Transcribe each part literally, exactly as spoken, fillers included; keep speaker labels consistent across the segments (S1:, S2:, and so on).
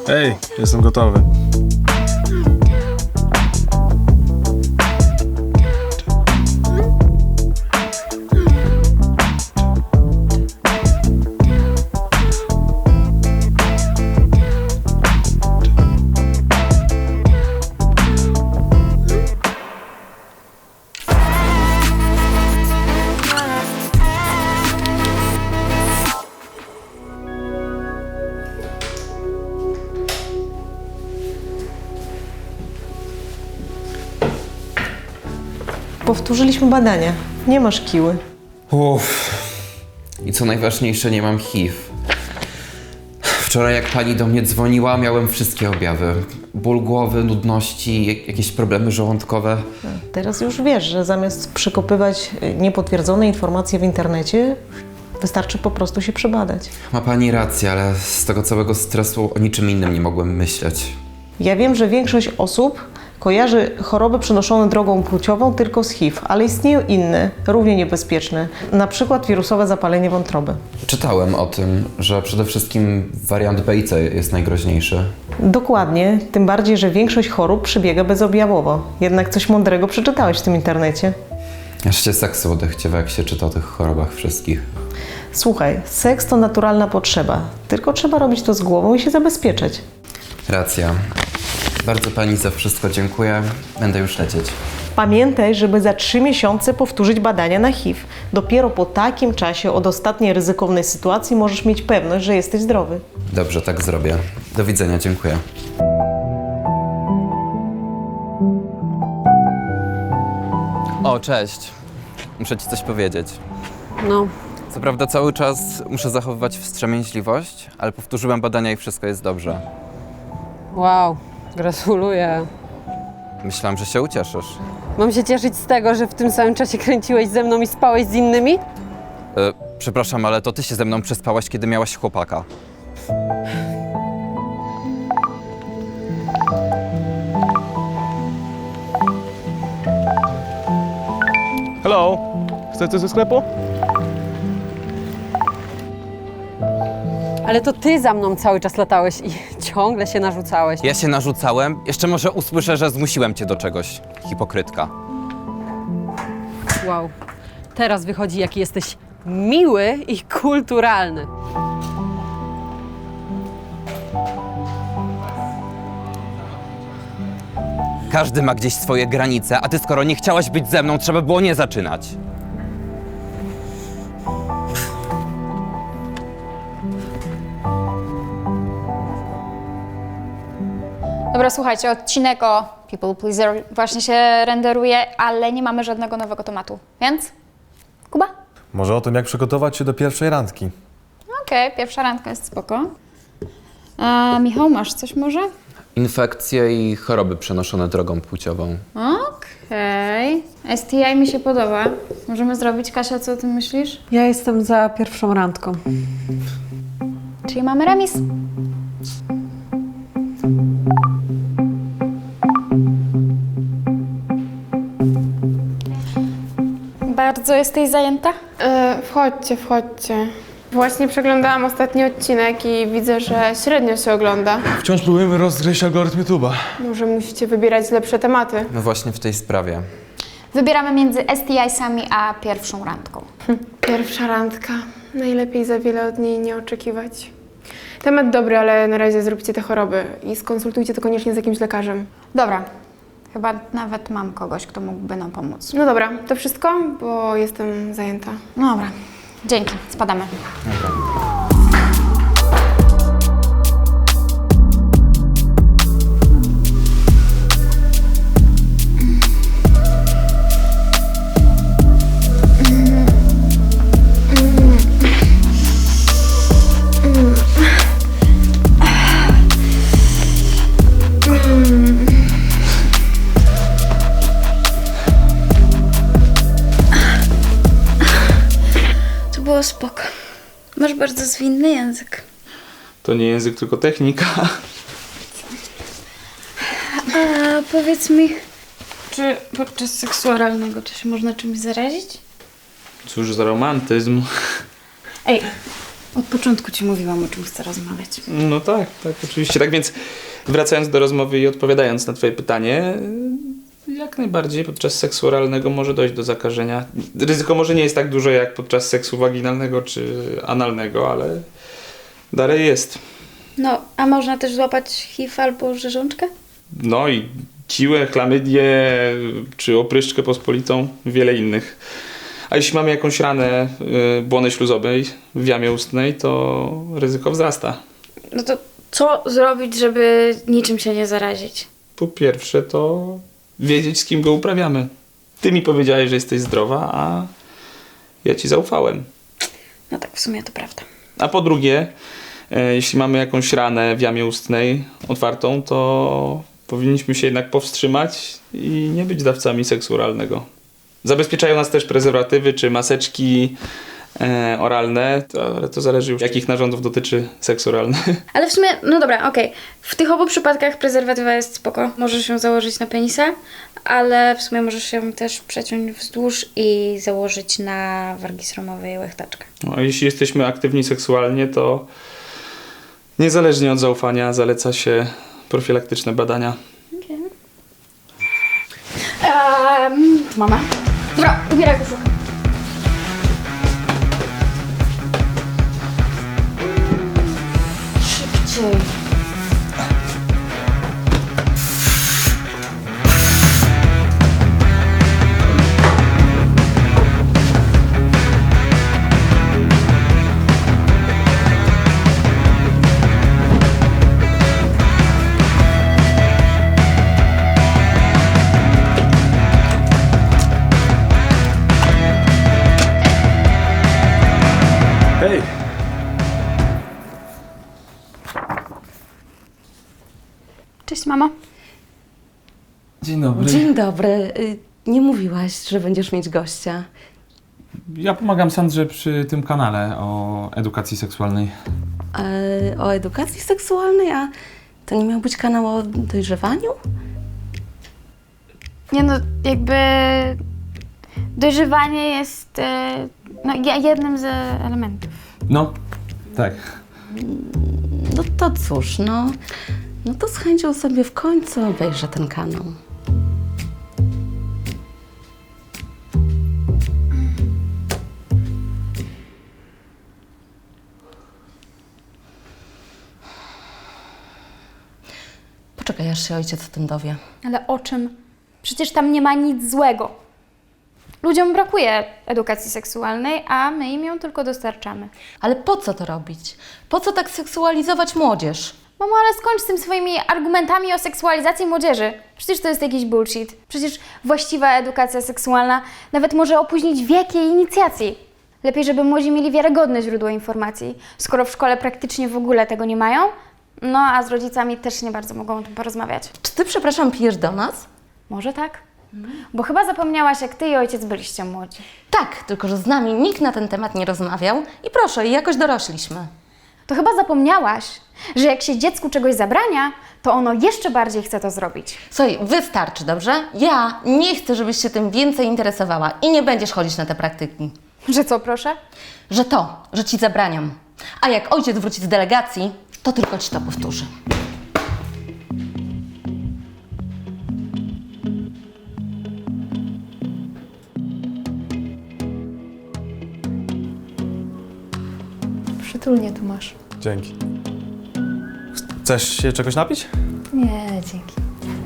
S1: Ej, jestem gotowy.
S2: Powtórzyliśmy badania. Nie masz kiły.
S3: Uff. I co najważniejsze, nie mam H I V. Wczoraj jak pani do mnie dzwoniła, miałem wszystkie objawy. Ból głowy, nudności, jak- jakieś problemy żołądkowe.
S2: Teraz już wiesz, że zamiast przekopywać niepotwierdzone informacje w internecie, wystarczy po prostu się przebadać.
S3: Ma pani rację, ale z tego całego stresu o niczym innym nie mogłem myśleć.
S2: Ja wiem, że większość osób kojarzy choroby przenoszone drogą płciową tylko z H I V, ale istnieją inne, równie niebezpieczne, na przykład wirusowe zapalenie wątroby.
S3: Czytałem o tym, że przede wszystkim wariant B i C jest najgroźniejszy.
S2: Dokładnie, tym bardziej, że większość chorób przebiega bezobjawowo. Jednak coś mądrego przeczytałeś w tym internecie.
S3: Aż się seksu odechciewa, jak się czyta o tych chorobach wszystkich.
S2: Słuchaj, seks to naturalna potrzeba, tylko trzeba robić to z głową i się zabezpieczać.
S3: Racja. Bardzo pani za wszystko dziękuję. Będę już lecieć.
S2: Pamiętaj, żeby za trzy miesiące powtórzyć badania na H I V. Dopiero po takim czasie od ostatniej ryzykownej sytuacji możesz mieć pewność, że jesteś zdrowy.
S3: Dobrze, tak zrobię. Do widzenia, dziękuję. O, cześć. Muszę ci coś powiedzieć.
S4: No,
S3: Co prawda cały czas muszę zachowywać wstrzemięźliwość, ale powtórzyłem badania i wszystko jest dobrze.
S4: wow, gratuluję.
S3: Myślałam, że się ucieszysz.
S4: Mam się cieszyć z tego, że w tym samym czasie kręciłeś ze mną i spałeś z innymi?
S3: E, przepraszam, ale to ty się ze mną przespałaś, kiedy miałaś chłopaka.
S1: Hello, chcesz coś ze sklepu?
S4: Ale to ty za mną cały czas latałeś i ciągle się narzucałeś.
S3: Ja się narzucałem. Jeszcze może usłyszę, że zmusiłem cię do czegoś. Hipokrytka.
S4: Wow, teraz wychodzi, jaki jesteś miły i kulturalny.
S3: Każdy ma gdzieś swoje granice, a ty skoro nie chciałaś być ze mną, trzeba było nie zaczynać.
S5: Dobra, słuchajcie, odcinek o People Pleaser właśnie się renderuje, ale nie mamy żadnego nowego tematu, więc Kuba?
S1: Może o tym, jak przygotować się do pierwszej randki.
S5: Okej, pierwsza randka jest spoko. A Michał, masz coś może?
S3: Infekcje i choroby przenoszone drogą płciową.
S5: Okej. S T I mi się podoba. Możemy zrobić, Kasia, co o tym myślisz?
S4: Ja jestem za pierwszą randką.
S5: Czyli mamy remis. Bardzo jesteś zajęta?
S6: E, wchodźcie, wchodźcie. Właśnie przeglądałam ostatni odcinek i widzę, że średnio się ogląda.
S1: Wciąż próbujemy rozgryźć algorytm YouTube'a.
S6: Może musicie wybierać lepsze tematy.
S3: No właśnie w tej sprawie.
S5: Wybieramy między S T I-sami a pierwszą randką.
S6: Pierwsza randka. Najlepiej za wiele od niej nie oczekiwać. Temat dobry, ale na razie zróbcie te choroby i skonsultujcie to koniecznie z jakimś lekarzem.
S5: Dobra. Chyba nawet mam kogoś, kto mógłby nam pomóc.
S6: No dobra, to wszystko, bo jestem zajęta.
S5: No dobra. Dzięki. Spadamy.
S7: Było spoko. Masz bardzo zwinny język.
S1: To nie język, tylko technika.
S7: A powiedz mi, czy podczas seksu oralnego to się można czymś zarazić?
S1: Cóż za romantyzm.
S7: Ej, Od początku ci mówiłam, o czym chcę rozmawiać.
S8: No tak, tak, oczywiście. Tak więc wracając do rozmowy i odpowiadając na twoje pytanie, jak najbardziej podczas seksu oralnego może dojść do zakażenia. Ryzyko może nie jest tak duże jak podczas seksu waginalnego czy analnego, ale dalej jest.
S7: No, a można też złapać H I V albo rzeżączkę?
S8: No i ciłę, chlamydię czy opryszczkę pospolitą, wiele innych. A jeśli mamy jakąś ranę y, błony śluzowej w jamie ustnej, to ryzyko wzrasta.
S7: No to co zrobić, żeby niczym się nie zarazić?
S8: Po pierwsze to wiedzieć, z kim go uprawiamy. Ty mi powiedziałeś, że jesteś zdrowa, a ja ci zaufałem.
S7: No tak, w sumie to prawda.
S8: A po drugie, e, jeśli mamy jakąś ranę w jamie ustnej otwartą, to powinniśmy się jednak powstrzymać i nie być dawcami seksu oralnego. Zabezpieczają nas też prezerwatywy czy maseczki e, oralne, to, ale to zależy już, jakich narządów dotyczy seks oralny.
S7: Ale w sumie, no dobra, okej. W tych obu przypadkach prezerwatywa jest spoko. Możesz ją założyć na penisa, ale w sumie możesz ją też przeciąć wzdłuż i założyć na wargi sromowej łechtaczkę.
S8: No, a jeśli jesteśmy aktywni seksualnie, to niezależnie od zaufania zaleca się profilaktyczne badania.
S7: Okej. Um, mama. Dobra, ubieraj koszulkę. Szybciej.
S1: Hej!
S5: Cześć, mamo.
S9: Dzień dobry.
S10: Dzień dobry. Y, Nie mówiłaś, że będziesz mieć gościa.
S9: Ja pomagam Sandrze przy tym kanale o edukacji seksualnej.
S10: E, o edukacji seksualnej, a to nie miał być kanał o dojrzewaniu?
S7: Nie no, jakby dojrzewanie jest e, no, je- jednym z elementów.
S9: No, tak.
S10: No to cóż, no, no to z chęcią sobie w końcu obejrzę ten kanał. Poczekaj, aż się ojciec o tym dowie.
S5: Ale o czym? Przecież tam nie ma nic złego. Ludziom brakuje edukacji seksualnej, a my im ją tylko dostarczamy.
S10: Ale po co to robić? Po co tak seksualizować młodzież?
S5: Mamo, ale skończ z tym swoimi argumentami o seksualizacji młodzieży. Przecież to jest jakiś bullshit. Przecież właściwa edukacja seksualna nawet może opóźnić wiek jej inicjacji. Lepiej, żeby młodzi mieli wiarygodne źródło informacji, skoro w szkole praktycznie w ogóle tego nie mają, no a z rodzicami też nie bardzo mogą o tym porozmawiać.
S10: Czy ty, przepraszam, pijesz do nas?
S5: Może tak? Bo chyba zapomniałaś, jak ty i ojciec byliście młodzi.
S10: Tak, tylko że z nami nikt na ten temat nie rozmawiał i proszę, jakoś dorośliśmy.
S5: To chyba zapomniałaś, że jak się dziecku czegoś zabrania, to ono jeszcze bardziej chce to zrobić.
S10: Słuchaj, wystarczy, dobrze? Ja nie chcę, żebyś się tym więcej interesowała i nie będziesz chodzić na te praktyki.
S5: Że co, proszę?
S10: Że to, że ci zabraniam. A jak ojciec wróci z delegacji, to tylko ci to powtórzy.
S5: Przytulnie tu masz.
S1: Dzięki. Chcesz się czegoś napić?
S5: Nie, dzięki.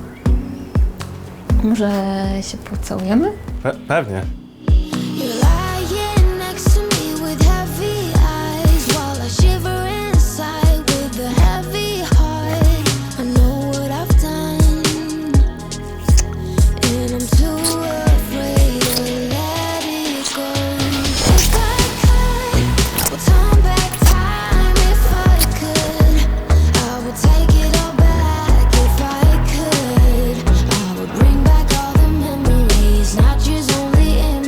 S5: Może się pocałujemy?
S1: Pe- pewnie.
S11: You're lying next to me with heavy eyes while I shiver inside with a heavy heart. I know what I've done, and I'm too afraid to let it go. If I could, I would turn back time. If I could, I would take it all back. If I could, I would bring back all the memories, not just only in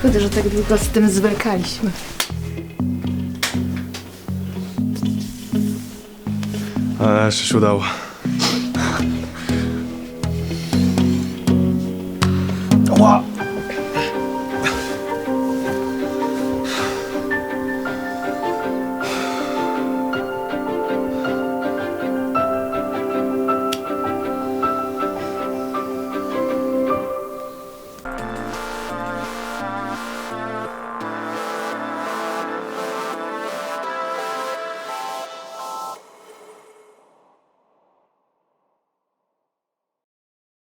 S12: Szkoda, że tak długo z tym zwlekaliśmy.
S1: Ale jeszcze się udało.